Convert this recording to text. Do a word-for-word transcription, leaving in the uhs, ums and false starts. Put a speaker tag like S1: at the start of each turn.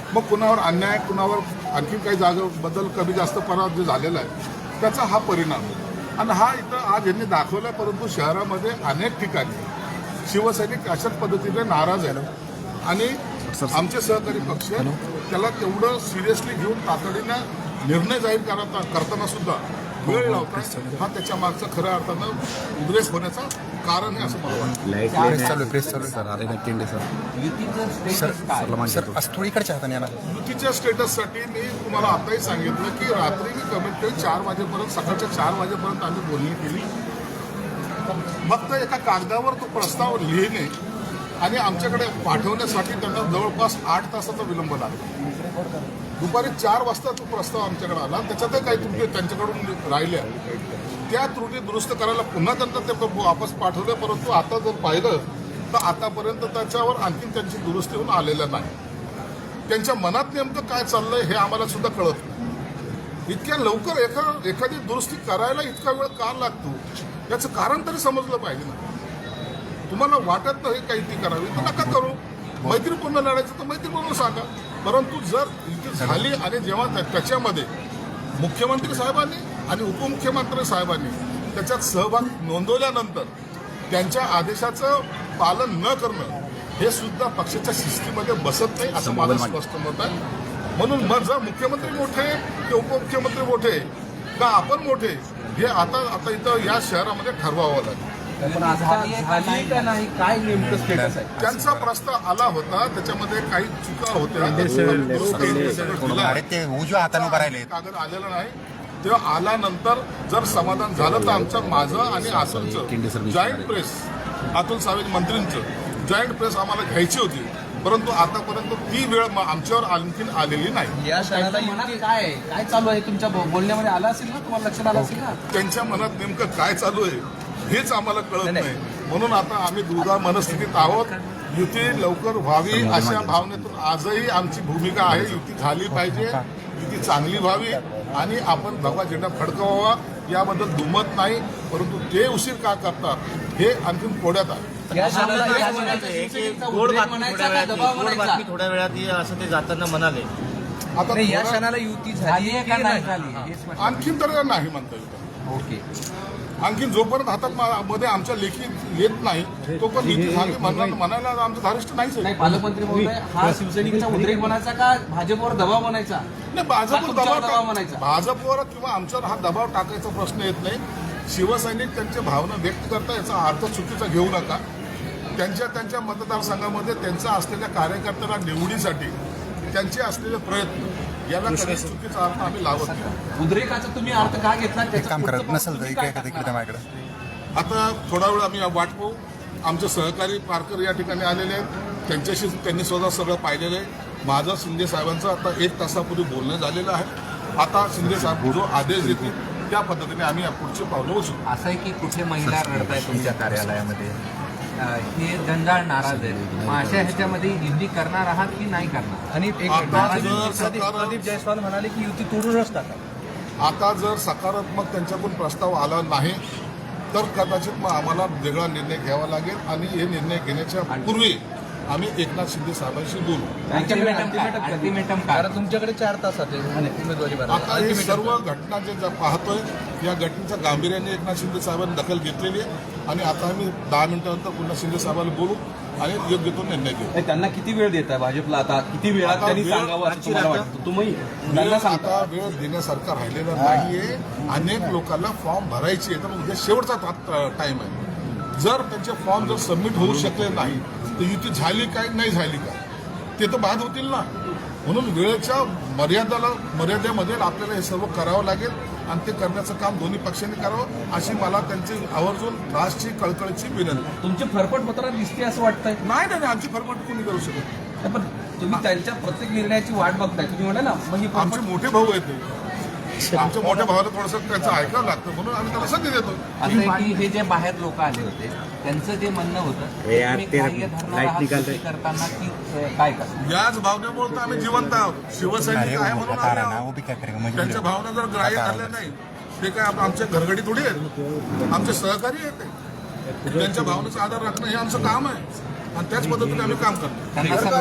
S1: मग कुणावर अन्याय, कुणावर आणखी काही जागेबद्दल कमी जास्त पराभव जे झालेला आहे त्याचा हा परिणाम आहे. आणि हा इथं आज यांनी दाखवला, परंतु शहरामध्ये अनेक ठिकाणी शिवसैनिक अशाच पद्धतीने नाराज आहेत आणि आमचे सहकारी पक्ष त्याला तेवढं सिरियसली घेऊन तातडीनं निर्णय जाहीर करता करताना सुद्धा वेळ लावतात. हा त्याच्या मागचा खऱ्या अर्थानं उद्रेक होण्याचं कारण आहे असं मला वाटतं. युतीच्या स्टेटससाठी मी तुम्हाला आताही सांगितलं की रात्री मी कमीत कमी चार वाजेपर्यंत सकाळच्या चार वाजेपर्यंत आम्ही बोलणी केली. फक्त एका कागदावर तो प्रस्ताव लिहिणे आणि आमच्याकडे पाठवण्यासाठी त्यांना जवळपास आठ तासाचा विलंब लागला. दुपारी चार वाजता तो प्रस्ताव आमच्याकडे आला. त्याच्यातही काही त्रुटी त्यांच्याकडून राहिल्या, त्या त्रुटी दुरुस्त करायला पुन्हा त्यांना ते वापस पाठवलं. परंतु आता जर पाहिलं तर आतापर्यंत त्याच्यावर आणखी त्यांची दुरुस्ती होऊन आलेलं नाही. त्यांच्या मनात नेमकं काय चाललंय हे आम्हाला सुद्धा कळत नाही. इतक्या लवकर एखा एखादी दुरुस्ती करायला इतका वेळ का लागतो याचं कारण तरी समजलं पाहिजे ना. तुम्हाला वाटत नाही काही ती करावी तर नका करू. मैत्रीपूर्ण लढायचं तर मैत्रीपूर्ण सांगा. परंतु जर युती झाली आणि जेव्हा त्याच्यामध्ये मुख्यमंत्री साहेबांनी आणि उपमुख्यमंत्री साहेबांनी त्याच्यात सहभाग नोंदवल्यानंतर त्यांच्या आदेशाचं पालन न करणं हे सुद्धा पक्षाच्या शिस्तीमध्ये बसत नाही असं माझं स्पष्ट मत आहे. म्हणून मग जर मुख्यमंत्री मोठे की उपमुख्यमंत्री मोठे का आपण मोठे हे आता आता इथं या शहरामध्ये ठरवावं लागेल.
S2: काय नेमकं स्टेटस आहे?
S1: त्यांचा प्रस्ताव आला होता, त्याच्यामध्ये काही चुका होत्या,
S3: उजव्या हाताने करायला
S1: कागद आलेला नाही. तेव्हा आल्यानंतर जर समाधान झालं तर आमचं माझं आणि अतुलचं जॉईंट प्रेस, अतुल सावे मंत्रींचं जॉईंट प्रेस आम्हाला घ्यायची होती. परंतु आतापर्यंत ती वेळ आमच्यावर आणखीन आलेली नाही.
S2: या क्षणाला मनात काय काय चालू आहे तुमच्या बोलण्यामध्ये आलं असेल ना, तुम्हाला लक्षात आलं असेल ना?
S1: त्यांच्या मनात नेमकं काय चालू आहे हेच आम्हाला कळत नाही. म्हणून आता आम्ही दुधा मनस्थितीत आहोत. युती लवकर व्हावी अशा भावनेतून आजही आमची भूमिका आहे. युती झाली पाहिजे, युती चांगली व्हावी आणि आपण भगवा झेंडा फडकवावा याबद्दल दुमत नाही. परंतु ते उशीर का करतात हे आणखीन कोड्यात आहे.
S4: गोड बातमी थोड्या वेळात असं ते जाताना म्हणाले.
S1: आता
S2: या क्षणाला युती झाली का नाही झाली?
S1: आणखीन तर नाही म्हणता येतं.
S2: ओके.
S1: आणखीन जोपर्यंत हातात मध्ये आमच्या लेखी येत नाही तोपर्यंत युती झाली म्हणा- म्हणायला आमचं धारिष्ट नाहीच आहे.
S2: नाही, पालकमंत्री महोदय, हा शिवसैनिकांचा उद्रेक बनायचा का भाजपवर दबाव बनायचा?
S1: नाही, भाजपवर
S2: तुमच्यावर दबाव
S1: दबाव
S2: बनायचा.
S1: भाजपवर किंवा आमच्यावर हा दबाव टाकायचा प्रश्न येत नाही. शिवसैनिक त्यांच्या भावना व्यक्त करता याचा अर्थ चुकीचा घेऊ नका. त्यांच्या त्यांच्या मतदारसंघामध्ये त्यांचा असलेल्या कार्यकर्त्यांना निवडीसाठी त्यांचे असलेले प्रयत्न याला कधी चुकीचा अर्थ आम्ही लावत नाही.
S2: उद्रेकाचा तुम्ही अर्थ का घेतला?
S3: काम करत नसेल तर
S2: काय
S3: इकडे
S2: करणार?
S3: माझ्याकडे
S1: आता थोडा वेळ आम्ही वाट पाहू. आमचे सहकारी पारकर या ठिकाणी आलेले आहेत, त्यांच्याशी त्यांनी स्वतः सगळं पाहिलेलं आहे. माझं शिंदे साहेबांचं आता एक तासापूर्वी बोलणं झालेलं आहे. आता शिंदे साहेब जो आदेश देतील त्या पद्धतीने आम्ही या पुढचे पावलं उचलू.
S5: असं आहे की कुठे महिला रडताय तुमच्या कार्यालयामध्ये, हे जंजाळ नाराज आहे. मग अशा ह्याच्यामध्ये युती करणार आहात की नाही करणार?
S2: आणि एक
S1: आता जर
S2: प्रदीप
S1: सकारात्मक
S2: प्रदीप जयस्वाल म्हणाले की युती तोडूनच टाका.
S1: आता जर सकारात्मक त्यांच्याकडून प्रस्ताव आला नाही तर कदाचित मग आम्हाला वेगळा निर्णय घ्यावा लागेल आणि हे निर्णय घेण्याच्या पूर्वी आम्ही एकनाथ शिंदे साहेबांशी बोलू.
S5: अल्टिमेटम काय? अल्टिमेटम काय?
S2: कारण तुमच्याकडे चार तासात आहे उमेदवारी भरायला.
S1: आता ही सर्व घटना जे ज्या पाहतोय या घटनेच्या गांभीर्याने एकनाथ शिंदे साहेबांनी दखल घेतलेली आहे आणि आता आम्ही दहा मिनिटानंतर पुन्हा शिंदे साहेबांना बोलू आणि योग्य तो निर्णय घेऊ.
S2: त्यांना किती वेळ देत आहे भाजपला? आता किती वेळात
S1: आता
S2: त्यांनी
S1: वेळ-
S2: सांगावं असं तुम्हाला वाटतं? तुम्ही
S1: वेळ
S2: त्यांना सांगता.
S1: आता वेळ देण्यासारखा राहिलेला नाहीये. अनेक लोकांना फॉर्म भरायचे तर उद्या शेवटचा टाइम आहे. जर त्यांचे फॉर्म जर सबमिट होऊ शकले नाही तर युती झाली काय नाही झाली काय ते तर बाद होतील ना. म्हणून वेळेच्या मर्यादाला मर्यादेमध्ये आपल्याला हे सर्व करावं लागेल आणि ते करण्याचं काम दोन्ही पक्षांनी करावं अशी मला त्यांची आवर्जून राष्ट्रीय कळकळीची विनंती.
S2: तुमची फरफट पत्रात दिसते असं वाटतंय.
S1: नाही नाही आमची फरफट कोणी करू शकत.
S2: पण तुम्ही त्यांच्या प्रत्येक निर्णयाची वाट बघताय. तुम्ही म्हणा ना मग ही
S1: आमचे
S2: फरफट-
S1: मोठे भाऊ आहेत ते. आमच्या मोठ्या भावाला थोडंसं त्याचं ऐकावं लागतं म्हणून आम्ही त्याला संधी देतो.
S5: असं आहे की हे जे बाहेर लोक आले होते त्यांचं जे म्हणणं होतं
S3: हे यार,
S5: तुम्ही
S3: ते
S5: ग्राह्य धरणार आहात कृती करताना की अ, काय करणार?
S1: याच भावनेमुळे तर आम्ही जिवंत आहोत. शिवसैनिक आहे म्हणून आम्ही आहोत. त्यांच्या भावना जर ग्राह्य धरल्या नाही ते काय आप- आमच्या घरगडी थोडी आहेत. आमचे सहकारी आहेत ते. त्यांच्या भावनेचा आधार राखणं हे आमचं काम आहे आणि त्याच पद्धतीने आम्ही काम करतो.
S5: त्यांना